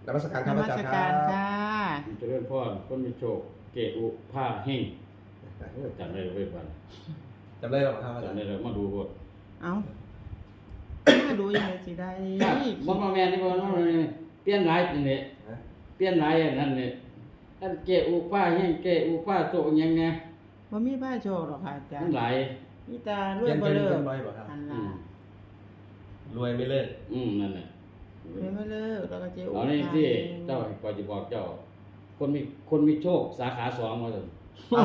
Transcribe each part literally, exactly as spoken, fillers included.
นมัสการครับอาจารย์ครันมัสการบค่ะเจริญพรคนมีโชคเกอุผ้าเฮงโอ้ยจำได้เลยเว้ยบ้านจำได้หรอครับอาจารจำย์ได้เลยมาดูโหดเอ้ามาดูยังไงสิได้บ่มาแม่นนี่บ่น้องนี่เปลี่ยนหลายจังนี่ฮะเปลี่ยนหลายอันนั้นนี่อันเกอุผ้าเฮงเกอุผ้าโตหยังไงว่ามีผ้าโชว์หรอกค่ะอาจารมันย์หลายมีตารวเปลี่ยยนบ่เป็นเลิเป็กนร้อยบ่ครับอันอืละมรวยไม่เลิกอืมนั่นน่ะรวยบ่เลิกแล้วก็เจ๊อุเอานี่ที่เจ้าก็จะบอกเจ้า คนมีคนมีโชคสาขาสองว่าซั่นโอ้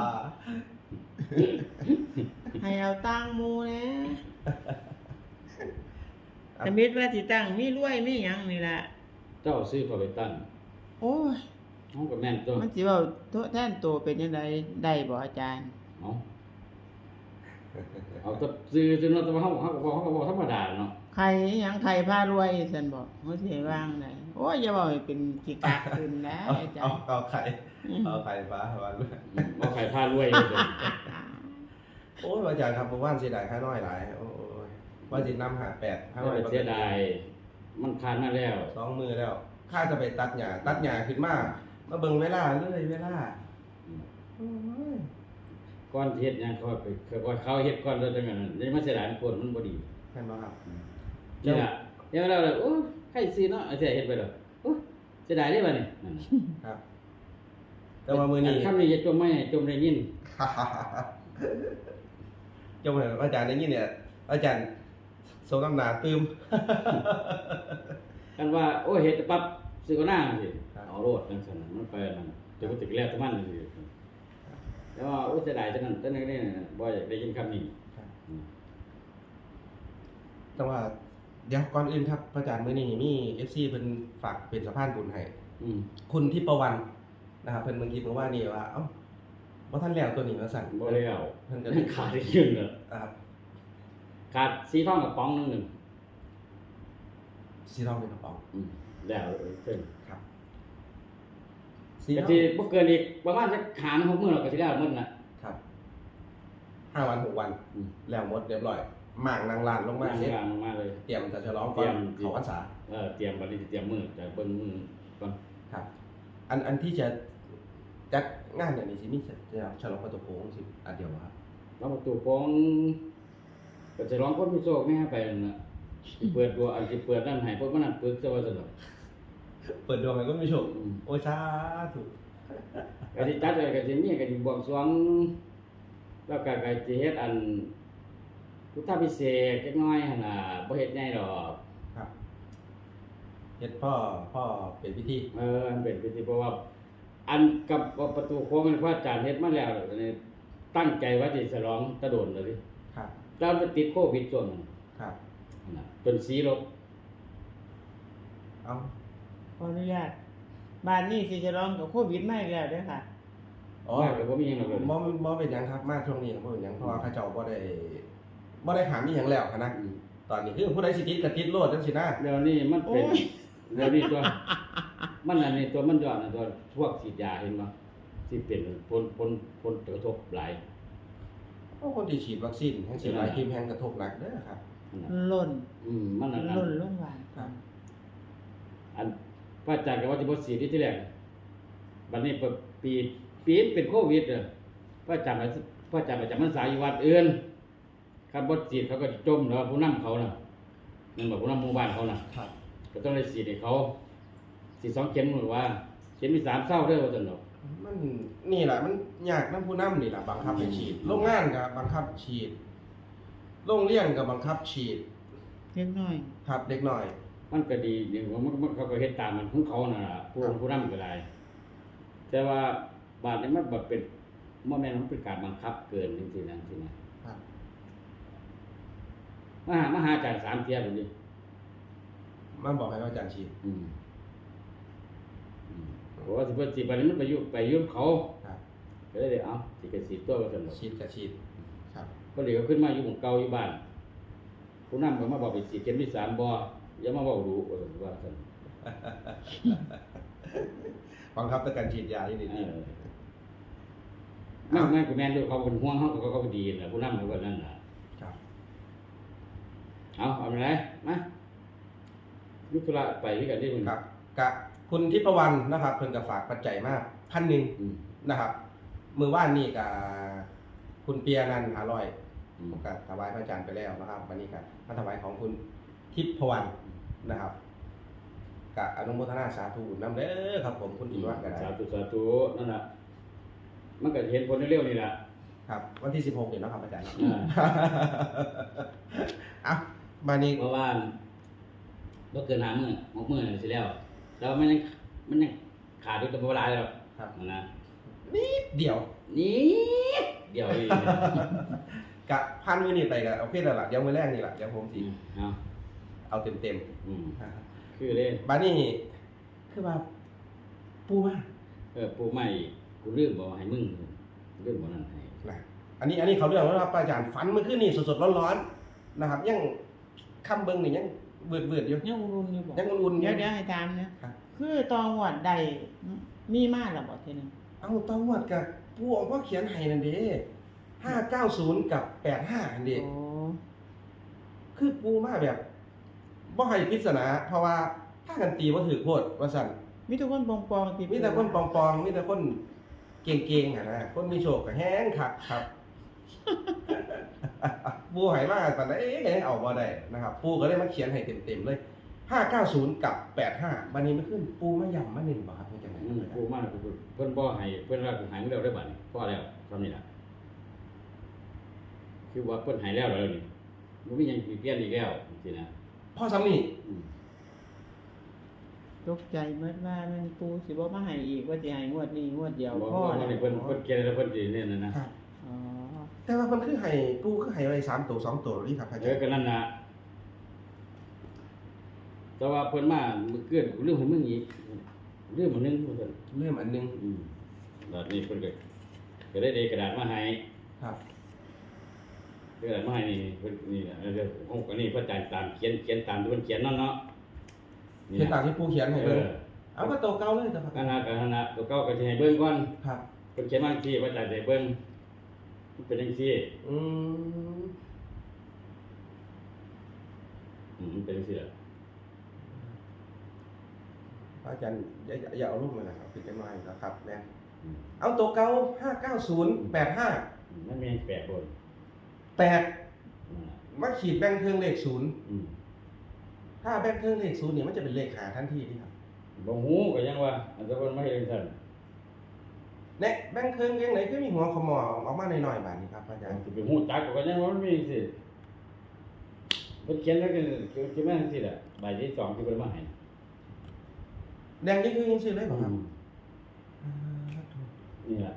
ให้เอาตั้งหมูนะสมิตว่าสิตั้งมีรวยมีหยังนี่ล่ะเจ้าซื้อเข้าไปตั้งโอ้ยเฮาก็แม่นตัวมันสิเว้าโทษแทนตัวเป็นจังไดได้บ่อาจารย์เอาเอาแตซื้อจนว่าแต่ว่าเฮาเฮาก็บอกเฮาก็บอกธรรมดาเนาะใครหยังใครพารวยซั่นบอกเฮาสิให้วางได้โอ้ยอย่าเว้าให้เป็นกิกะขึ้นนะเอาอาจาเอารย์เอาไข่เอาไข่ฟ้าวันด้วยบ่ใครพารวยเลยเด้อโอ้ยอาจารย์ครับผมว่าเสียดายค่าน้อยหลายโอ้ยว่าสินำหาแปดค่าน้อยเสียดายมันผ่านมาแล้วสองมือแล้วข้าจะไปตัดหญ้าตัดหญ้าขึ้นมามาเบิ่งเวลาเลยเวลาโอ้ยก่อนเฮ็ดหยังเขาไปเขาเขาเฮ็ดก่อนแล้วจังนั้นนี่มันเสียดายมันปวดมันบ่ดีเห็นบ่ครับนี่ล่ะเดี๋ยวเราเลยโอ้ใครสิเนาะเอาเสียเฮ็ดไปแล้วโอ้เสียดายเด้บัดนี้นั่นน่ะครับ แต่ว่ามือนี้คำนี้จะจมไม่ให้จมได้ยินจงเหมือนอาจารย์ได้ยินเนี่ย อาจารย์โซน้ำหนาตื้มกันว่าโอ้เฮ็ดปั๊บสิก็น่าสิครับเอาโลดจังซั่นน่ะมันไปนั่นจะบ่ติดแล้วแต่มันสิแต่ว่าโอ้เสียดายจังนั้นจังนั้นนี่บ่อยากได้ยินคำนี้แต่ว่าเดี๋ยวก่อนอื่นครับอาจารย์มื้อนี้มี เอฟ ซี เพิ่นฝากเป็นสะพานบุญให้อืมคุณทิพวรรณนะครับเพิ่นเมื่อกี้เมื่อว่านี่ว่าเอ้าบ่ทันแล้วตัวนี้ว่าสั่นบ่แล้วเพิ่นก็มันขาดอีกเรื่องนึงอ่าขาดสีทองกับป๋องนึงนึงสีทองเป็นกระป๋องอืมแล้วเพิ่นครับสีก็ทองสิบ่เกินอีกประมาณสักหาหกมื้อแล้วก็สิได้หมดน่ะครับห้าวันหกวันอืมแล้วหมดเรียบร้อยหมางนางลานลงมามาเสร็จกลางมาเลยเตรียมจะฉลองก่อนเตรียมเขาพรรษาเออเตรียมบัดนี้สิเตรียมมื้อจะเบิ่งมื้อก่อนครับ อันอันที่จะจัดงานอย่างนี้สิมีจะฉลองประตูโค้งสิอันเดียวบ่ครับแล้วประตูของก็จะร้องคนมีโชคแม่ไปนั่นน่ะสิเปิดตัวอันสิเปิดนั่นให้พวกมันนั่นปึกซะว่าซั่นดอกเปิดดวงให้ก็มีโชคอืมโอ้ยสาธุก็สิจัดไว้ก็สิมีก็สิบวงสรวงแล้วก็ก็สิเฮ็ดอันพุทธพิเศษกจักหน่อยหั่นน่ะบ่เฮ็ดใหญ่ดอกครับเฮ็ดพ่อพ่อเป็นพิธีเอออันเป็นพิธีเพราะว่า อันกับประตูโค้งมันพระอาจารย์เฮ็ดมาแล้วนี่ตั้งใจว่าสิฉลองตะโดนเลยดิครับแล้วมันติดโควิดช่วงนั้นครับน่ะจนสีลบเอาขออนุญาตบ้านนี้สิจะร้องกับโควิดมาอีกแล้วเด้อค่ะอ๋อว่าก็บ่มีหยังหรอกเลยบ่บ่เป็นหยังครับมาช่วงนี้บ่เป็นหยังเพราะว่าเขาเจ้าบ่ได้บ่ได้หามอีหยังแล้วคณะอืมตอนนี้คือผู้ใดสิติดก็ติดโลดจังซี่นะเดี๋ยวนี้มันเป็นโอ้ยเดี๋ยวนี้ตัว มันอันนี้ตัวมันยอดนะตัวพวกฉีดยาเห็นบ่ที่เป็นผลผลผลกระทบหลายเพราะคนที่ฉีดวัคซีนแห่งสิหลายทีมแห่งกระทบหนักเด้อครับนั่นน่ะล่นอืมมันอันนั้นล่นลงหวานครับอันพระอาจารย์ก็ว่าสิบ่ฉีดที่แรกบัดนี้ปีปีเป็นโควิดเด้อพระอาจารย์ก็พระอาจารย์ประจำพรรษาอยู่วัดอื่นคันบ่ฉีดเขาก็จมเนาะผู้นำเขาน่ะนั่นบ่ผู้นำหมู่บ้านเขาน่ะครับก็ต้องได้ฉีดให้เขาฉีดสองเข็มหรือว่าเข็มมีสามเศร้าเด้อว่าซั่นดอกมันนี่แหละมันยากนํผู้นำนี่ล่ะบังคับให้ฉีดโรงงานก็บังคับฉีดโรงเรียนก็บังคับฉีดเล็กน้อยครับเด็กน้อยมันก็ดีอย่างว่ามันมันเขาก็เฮ็ดตามมันของเขาน่ะล่ะผู้ผู้นำก็ได้แต่ว่าบาดนี้มันบ่เป็นบ่แม่นมันเป็นการบังคับเกินจังซี่นะจังซี่นะครับ มาหามาหาอาจารย์สามเที่ยพุ่นดิมันบอกให้อาจารย์ฉีดอืมอืมเพราะว่าสิเพิ่นสิบัดนี้มันไปอยู่ไปอยู่กับเขาครับก็เลยได้เอาสิก็สิตัวว่าซั่นดอกฉีดก็ฉีดครับก็เดี๋ยวขึ้นมาอยู่หมู่เก่าอยู่บ้านผู้นำก็มาบอกไปสิเข็มที่สามบ่อย่ามาเว้ารู้ว่าซั่นว่าซั่นบังคับด้วยการฉีดยาที่ดีเออแม่แม่กูแม่นด้วยเขาเป็นห่วงเขาก็เขาก็ดีน่ะผู้นำเขาก็นั่นน่ะๆครับเอาเอาไปไหนมายุทธุระไปด้วยกันได้มึงครับกับคุณทิพวรรณนะครับเพิ่นก็ฝากปัจจัยมากพันหนึ่งอืมนะครับมือว่านนี่กับคุณเปียนันท์ห้าร้อยอืมผมก็ถวายพระอาจารย์ไปแล้วนะครับ วันนี้ก็มาถวายของคุณทิพวรรณนะครับกับอนุโมทนาสาธุนำเด้อครับผมคุณทิพวรรณก็ได้สาธุสาธุนั่นน่ะมันก็เห็นผลเร็วๆนี่ล่ะครับ วันที่สิบหกเดี๋ยวนะครับอาจารย์อ่าอ่ะมานี้เพราะว่าบ่เกินห้ามื้อหกมื้อนั่นสิแล้วแล้วมันยังมันยังขาดอยู่แต่บ่หลายแล้วครับนั่นนะนิดเดียวนี่เดี๋ยวอีกกะพันมือนี่ไปกับเอาเพศแล้วล่ะเดี๋ยวมือแรกนี่แหละเดี๋ยวผมสิเอาเอาเต็มเต็มอืมๆคือเด้บ้านนี้คือว่าปูมาเออปูใหม่กูลืมบ่ให้มึงลืมบ่นั่นให้นะอันนี้อันนี้เขาเรื่องแล้วนะครับอาจารย์ฝันเมื่อคืนนี่สดๆร้อนๆนะครับ ยังคำเบิ้งนี่ยังเบือดเบือดๆอยู่ยังอุ่นๆอยู่บ่ยังอุ่นๆอยู่เดี๋ยวเดี๋ยวให้ถามนะครับ คือตองวดใดมีมาแล้วบ่ทีนึงเอาต้องวัดกับปูออกว่าเขียนให้นั่นเด้ห้าเก้าศูนย์กับแปดห้าอันเด้โอ้คือปูมาแบบบ่ให้ปริศนาเพราะว่าถ้ากันตีว่าถือโพดว่าสั่นมีทุกคนปองๆที่มีแต่คนปองๆมีแต่คนเก่งๆอะนะคนมีโชคก็แห้งคักครับ ปูใหายมากตอนนั้นเอ๊ะยังเอาบ่ได้นะครับปูก็เลยมาเขียนให้เต็มๆเลยห้าเก้าศูนย์กับแปดห้าบัดนี้มันขึ้นปูมาย่ำมาหนึ่งบ่ครับเป็นจังได๋อืมปูมากูเพิ่นบ่ให้เพิ่นว่ากูหายมึงแล้วได้บัดนี้พอแล้วซ้ำนี่ล่ะคือว่าเพิ่นหายแล้วแล้วนี่บ่มีหยังสิเปลี่ยนอีกแล้วจังซี่นะพ่อซ้ำนี่อืมตกใจเมื่อว่ามันปูสิบ่มาให้อีกว่าสิให้งวดนี้งวดเดียวบ่พอบ่แล้วนี่เพิ่นเพิ่นเขียนแล้วเพิ่นสิเนี่ยนะนะครับอ๋อแต่ว่ามันคือให้ปูคือให้ไว้สามตัวสองตัวนี่ครับอาเอจารอย์ก็นั่นน่ะแต่ว่าเพิ่นมามื้อเกินกูลืมให้มึงอีกลืมอันหนึงว่าซั่นเริ่มอันหนึงอืมบัดนี้เพิ่นก็ก็ได้เดกระดาษมาให้ครับกระดาษมาให้นี่เพิ่นนี่น่ะเดี๋ยวผมก็นี่พระอาจารย์ตามเขียนเขียนตามที่เพิ่นเขียนนั่นเนาะเขียนตามที่ปูเขียนให้เอเบิ่งอเอาก็ตัวเก่าเลยจ้ะครับนั่นน่ะก็นั่นน่ะตัวเก่าก็สิให้เบิ่งก่อนครับเพิ่นเขียนมาจังซี่พระอาจารย์สิให้เบิ่งมันเป็นจังซี่อืมอืมมันเป็นจังซี่ล่ะอาจารย์อย่าอย่าอย่าเอารูปมานะครับปิดจังหน่อยนะครับแม่นอืมเอาตัวเก่าห้าเก้าศูนย์แปดห้ามันมีแปดบนแปดนั่นน่ะมาขีดแบ่งเครื่องเลขศูนย์อืมถ้าแบ่งเครื่องเลขศูนย์เนี่ยมันจะเป็นเลขหาทันทีนี่ครับบ่ฮู้ก็ยังว่าอันตะวันมาเฮ็ดจังซั่นเนี่ยแบ่งเครื่องยังไหนก็มีหัวขมอออกมาหน่อยๆบาดนี้ครับอาจารย์สิไปฮู้จักก็ยังว่ามันมีจังซี่เพิ่นเขียนแล้วก็เขียนมาจังซี่ล่ะใบที่สองที่เพิ่นมาให้แดงนี่คือยังชื่อได้ป่ะครับอืมนี่ล่ะ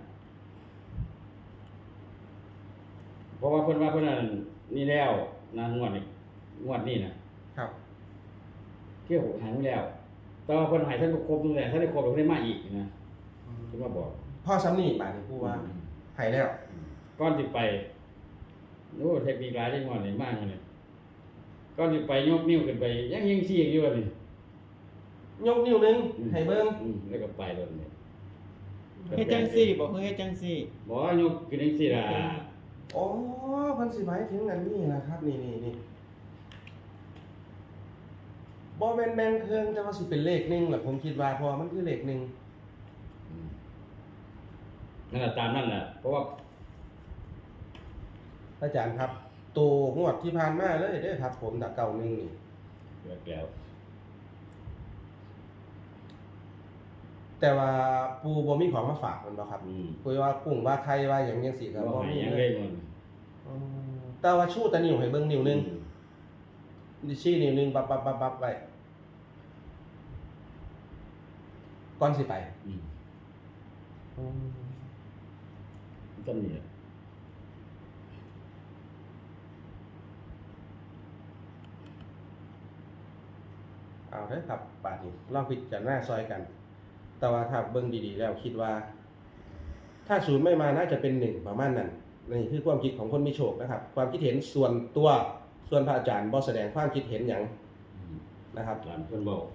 เพราะว่าเพิ่นว่าเพิ่นนั่นนี่แล้วนะงวดนี้งวดนี้นะครับ เที่ยวหายไปแล้วแต่ว่าเพิ่นใหายท่านก็ครบตั้งแต่ท่านได้ครบแล้วเพิ่นได้มาอีกนะเพิ่นมาบอกพ่อซ้ำนี่บาดนี้พูดว่าหายแล้วก่อนสิไปโอ้เทคนิคหลายได้งวดนี้มากเลยก่อนสิไปยกนิ้วขึ้นไปยังยังชี้อยู่ว่านี่ยกนิ้วหนึงให้เบิ่งอืมแล้วก็ไปเลยนี่เฮ็ดจังซี่บ่คือเฮ็ดจังซี่บ่ยกขึ้นจังซี่ล่ะอ๋อเพิ่นสิหมายถึงอันนี้นะครับ นี่นี่นี่บ่แม่นแบ่งเครื่องแต่ว่าสิเป็นเลขหนึงแหละผมคิดว่าเพราะว่ามันคือเลขหนึงอืมนั่นน่ะตามนั่นน่ะเพราะว่าอาจารย์ครับตัวงวดที่ผ่านมาเลยเด้อครับ ผมตะเก่าหนึงนี่เลิกแล้วแต่ว่าปูบ่มีของมาฝากมันบ่ครับอืมคุยว่ากุ้งว่าไข่ว่าหยังจังซี่ก็บ่บ่ให้มียังเลเลย ยมันอืมแต่ว่าชูตะนิ้วให้เบิ่งนิ้วหนึงดิชี้นิ้วหนึงบับบับบับบับไว้ก่อนสิไปอืมอืมจำนี่ล่ะเอาเด้อครับบาดนี้ลองพิจารณาซอยกัน แต่ว่าถ้าเบิ่งดีๆแล้วคิดว่า ถ้าศูนย์ไม่มาน่าจะเป็นหนึ่งประมาณนั้นนี่คือความคิดของคนมีโชคนะครับ ความคิดเห็นส่วนตัวส่วนพระอาจารย์บ่แสดงความคิดเห็นหยังอืมนะครับหลานเพิ่นบอก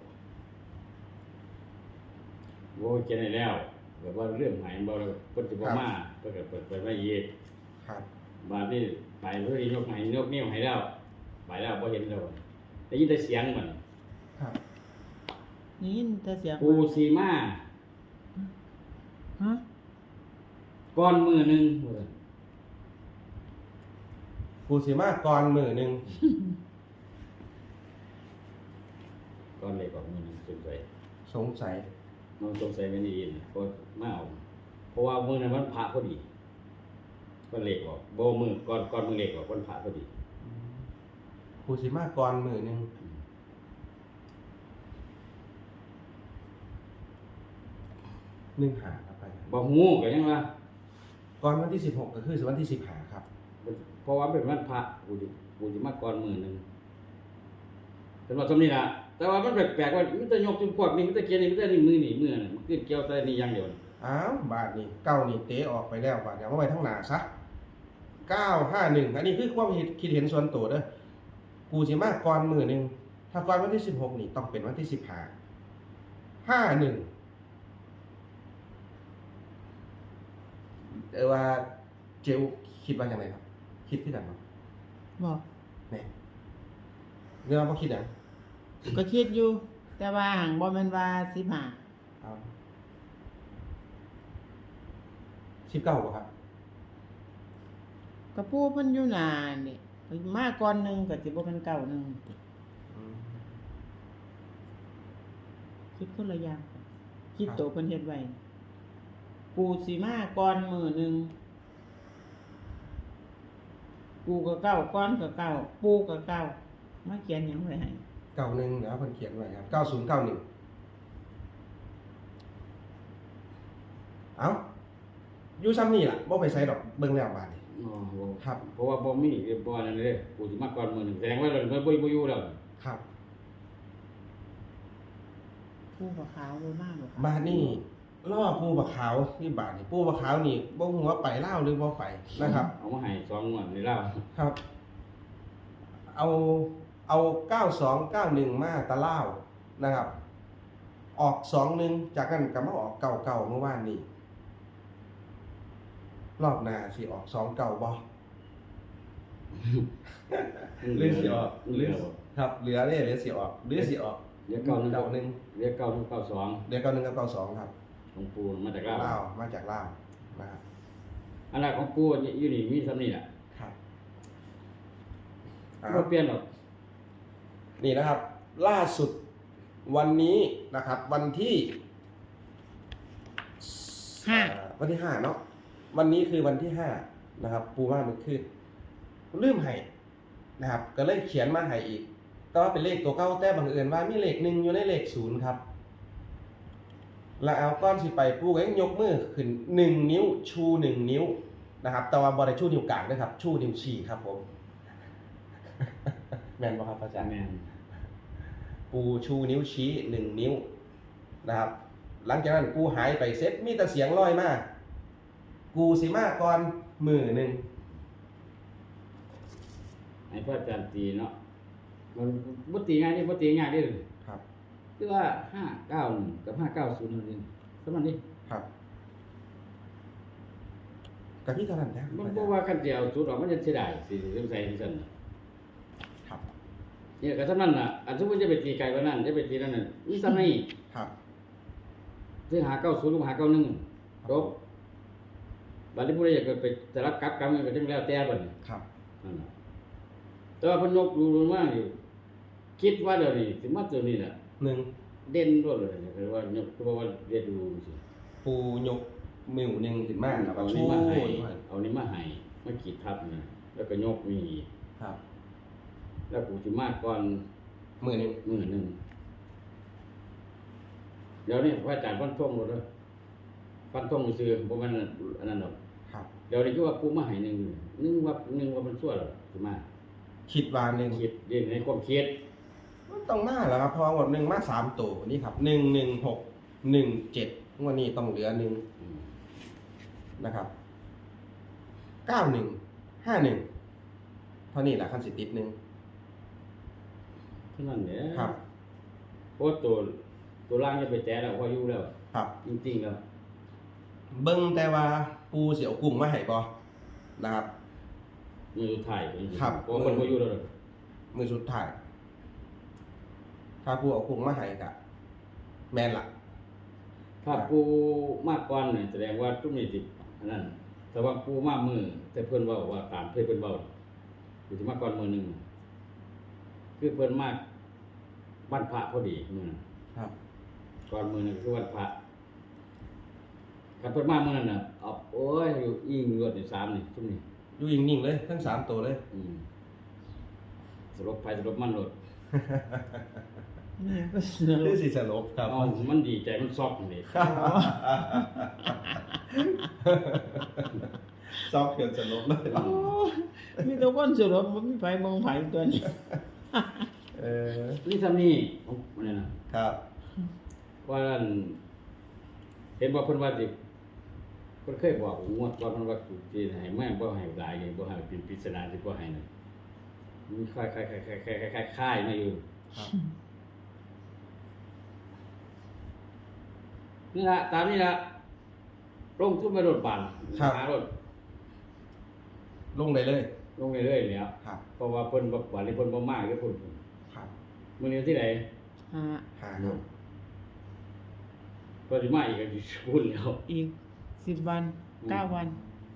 โว้ยเจนได้แล้วแบบว่าเรื่องหายบ่แล้วเพิ่นสิบ่มาเพิ่นก็เปิดเปิดไว้อีกครับบาดนี้ไปเพิ่นยกให้ยกนิ้วให้แล้วไปแล้วบ่เห็นแล้วได้ยินแต่เสียงมันครับนี่ยินแต่เสียงปูสีมาฮะก้อนมือหนึงปูสิมาก่อนมือหนึงก้อนเล็กกว่ามือหนึงสงสัยสงสัยน้องสงสัยไม่ดีนะก็มาเอาเพราะว่ามือนั้นมันพระพอดีก้อนเล็กออกโบมือก้อนก้อนมือเล็กออกก้อนพระพอดีปูสิมาก่อนมือหนึงหนึ่งหาครับไปบ่ฮู้ก็ยังว่าก่อนวันที่สิบหกก็คือวันที่สิบหาครับเพราะว่าเป็นวันพระกูสิกูสิมาก่อนมือหนึงสำหรับตรงนี้ล่ะแต่ว่ามันแปลกๆว่ามันจะยกจนพวกนี้มันจะเกียร์นี่มันจะนี่มือนี่มือน่ะมันขึ้นเกี่ยวแต่นี่อย่างเดียวอ้าวบาทนี่เก้านี่เตะออกไปแล้วบาทเนี่ยว่าไปทั้งหนาซะเก้าห้าหนึ่งอันนี้คือความคิดเห็นส่วนตัวเด้อกูสิมาก่อนมือหนึงถ้าก่อนวันที่สิบหกนี่ต้องเป็นวันที่สิบห้าห้าหนึ่งเออว่าเจลคิดว่าอย่างไรครับ คิดที่ไหนครับบอกเนี่ยเรื่องว่าคิดอย่างก็คิดอยู่ แต่ว่าหังบ่แม่นว่าสิบห้าเอาสิบเก้าป่ะครับก็ปูเพิ่นอยู่นานนี่มาก่อนหนึงก็สิบ่เป็นเก้าหนึงอืมคิดคนละอย่างคิดโตเพิ่นเฮ็ดไว้ปูสิมาก่อนมื้อหนึงปูก็เก้าก่อนก็เก้าปูก็เก้ามาเขียนหยังไว้ให้เก้าหนึ่งเดี๋ยวเพิ่นเขียนไว้ครับเก้าศูนย์เก้าหนึ่งเอาอยู่ซ้ำนี่ล่ะบ่ไปใส่ดอกเบิ่งแล้วบาดนี้อ๋อบ่ครับเพราะว่าบ่มีบ่นั่นเลยกูสิมาก่อนมือหนึงแสดงว่าเราบ่บ่อยู่แล้วครับปูก็ขาวบ่มากบ่ขาวบาดนี้ล่อปูบะขาวนี่บาดนี่ปูบะขาวนี่บ่ฮู้ว่าไปลาวหรือบ่ไปนะครับเอามาให้สองงวดในลาวครับ เอาเอาเก้าสองเก้าหนึ่งมาตะเล่าวนะครับ ออกสองหนึ่งจากนั้นก็มาออกเก่าเก่าเมื่อวานนี้รอบหน้าสิออกสองเก่าบ่ หรือสิออกหเหรืลืออครับเหลือเนี่ยเหลือสิออกหรือสิออกเหลือเก้าหนึ่งเก่าหนึ่งเหลือเก้าหนึ่งเก้าสองเหลือเก่าหนึ่งกับเก่าสองครับของปูมาจากลาวลาวมาจากลาวนะครับอันนั้นของปูอยู่นี่มีซ้ำนี่แหละครับอ่าบ่เปลี่ยนหรอกนี่นะครับ ล่าสุดวันนี้นะครับ วันที่ห้าอ่าวันที่ห้าเนาะวันนี้คือวันที่ห้านะครับ ปูว่ามันขึ้นลืมให้นะครับ ก็เลยเขียนมาให้อีกแต่ว่าเป็นเลขตัวเก้าแต่บังเอิญว่ามีเลขหนึ่งอยู่ในเลขศูนย์ครับ แล้วเอาก้อนสิไปปูก็ยังยกมือขึ้นหนึ่งนิ้วชูหนึ่งนิ้วนะครับ แต่ว่าบริชูนิ้วกลางด้วยครับ ชูนิ้วชี้ครับผม แมนบ่ครับอาจารย์แม่นปูชูนิ้วชี้หนึ่งนิ้วนะครับ หลังจากนั้นกูหายไปเซ็ตมีแต่เสียงลอยมากูสิมาก่อนมือหนึ่งให้พระอาจารย์ตีเนาะมันบ่ตีง่ายนี่บ่ตีง่ายเด้อครับคือว่าห้าเก้าหนึ่งกับห้าเก้าศูนย์นั่นเองสมันนี่ครับกับพี่เท่านั้นนะมันบ่ว่ากันเดียวสุดออกมันจะเสียดายสิสงสัยที่ซั่นน่ะครับเนี่ยก็เท่านั้นน่ะอันสมมุติจะไปตีไกลกว่านั้นจะไปตีนั่นน่ะมีซ้ำนี่ครับซื้อหาเก้าศูนย์หรือหาเก้าหนึ่งจบบัดนี้ผู้ใดอยากจะไปจะรับกลับกรรมมันก็จังแล้วแต่บัดนี้ครับนั่นน่ะแต่ว่าเพิ่นยกดูลงมาอยู่คิดว่าเดี๋ยวนี้สิมาตัวนี้น่ะหนึ่งเด่นรวดเลยคือว่ายกคือว่าเรียนดูสิปูยกมือหนึ่งขึ้นมาแล้วก็เอาชูนี้มาให้ด้วยเอานี้มาให้มาขีดทับนะแล้วก็ยกมีครับแล้วกูสิมาก่อนมือหนึ่งมื้อหนึงเดี๋ยวนี้พระอาจารย์ฟันธงหมดเลยฟันธงซื่อบ่แม่นอันนั้นหรอกครับเดี๋ยวนี้คือว่ากูมาให้หนึงหนึงว่าหนึงว่ามันชั่วแล้วสิมาคิดวาหนึ่งคิดเรียนในความคิดมันต้องมาแล้วครับเพอหมดหนึ่งมาสามตัวนี่ครับหนึ่งหนึ่งหกหนึ่งเจ็ดงวันนี้ต้องเหลือหนึ่งอืมนะครับเก้าหนึ่งห้าหนึ่งเท่านี้แหละขั้นสิติดหนึ่งเท่านั้นแหละครับเพราะว่าตัวตัวล่างจะไปแตะแล้วพออยู่แล้วครับจริงๆแล้วเบิ้งแต่ว่าปูเสียวกลุ่มมาให้บ่นะครับมือสุดท้ายก็อยู่ครับเพราะว่าคนบ่อยู่แล้วมือสุดท้าย ถ้าปูเอากลุ่มมาให้กะแม่นล่ะถ้าปูมากก่อนเนี่ยแสดงว่าทุกนี้สิอันนั้นแต่ว่าปูมากมือแต่เพิ่นเว้าว่าตามเพิ่นเพิ่นเว้าอยู่ที่มากก่อนมือหนึงคือเพิ่นมากวันพระพอดีมื้อนั้นครับก่อนมือหนึงคือวันพระคันเพิ่นมามื้อนั้นน่ะเอาโอ้ยอยู่อิงรวดที่สามนี่ซุมนี้อยู่นิ่งๆเลยทั้งสามตัวเลยอืมสลบไปสลบมันโลดเนี่ยก็เสือคือสิสลบครับเอามันดีใจมันซอกนี่ซอกเกินสลบเลยโอ้มีแตัวคนสรุปมันมีไฟมองไฟตัวนี้เออนี่ทำนี่ของมันนี่นะครับ ว่าอันเห็นบอกเพิ่นว่าสิเพิ่นเคยบอกงวดว่าเพิ่นว่าสิให้แม่งบ่ให้หลายอย่างบ่ให้เป็นปริศนาสิบ่ให้นั่นมีคล้ายๆๆๆๆๆๆๆมาอยู่ครับนี่ล่ะตามนี้ล่ะลงทุนไปรถบันหารถลงได้เลยลงเรื่อยๆแล้วครับเพราะว่าเพิ่นบ่บัดนี้เพิ่นบ่มาเด้อเพิ่นครับมื้อนี้วันที่ไหนหาหาครับเพิ่นสิมาอีกก็สิพูดแล้วอีกสิบวันเก้าวัน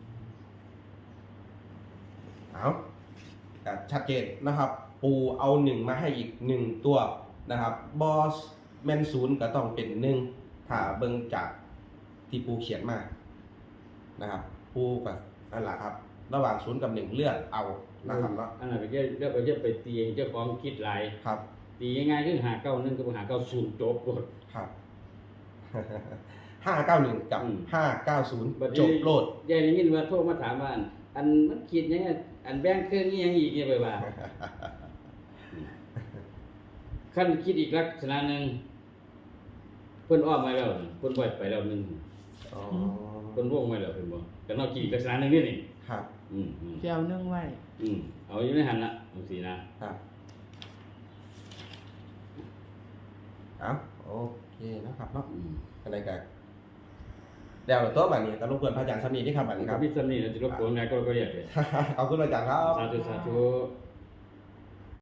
เอาก็ชัดเจนนะครับ ปูเอาหนึ่งมาให้อีกหนึ่งตัวนะครับบอสแมนศูนย์ก็ต้องเป็นหนึ่งถ้าเบิ่งจากที่ปูเขียนมานะครับ ปูกับนั่นแหละครับ ระหว่างศูนย์กับหนึ่งเลือกเอานะครับเนาะอันนั้นก็จะเลือกก็จะไปตีให้เจ้าของคิดหลายครับตีง่ายๆคือหาเก้าหนึ่งกับหาเก้าศูนย์จบโลดครับ ห้าเก้าหนึ่งกับอืมห้าเก้าศูนย์บัดจนี้บโลดยายได้ยินว่าโทรมาถามว่าอันอันมันคิดยังไงอันแบ่งเครื่องนี้ยังอีกเนี่ยไปว่าขั้นคิดอีกลักษณะหนึ่งเพิ่นอ้อมมาแล้วนี่เพิ่นบ่ไปแล้วหนึงอ๋อเพิ่นวงไว้แล้วเพิ่นบ่ก็นอกคิดอีกลักษณะหนึงนี่นี่ครับอืมอืมเจียวนึ่งไว้อืมเอาอยู่ในหันละจังซี่นะครับเอาโอเคนะครับเนาะอืมอะไรกันเดี๋ยวตัวแบบนี้ก็รบกวนพระอาจารย์สามีที่ครับแบบนี้คครัรับบ พี่สำนี่จะรบกวนงานก็ก็เรียกเลยเอาคุณอาจารย์ครับสาธุสาธุ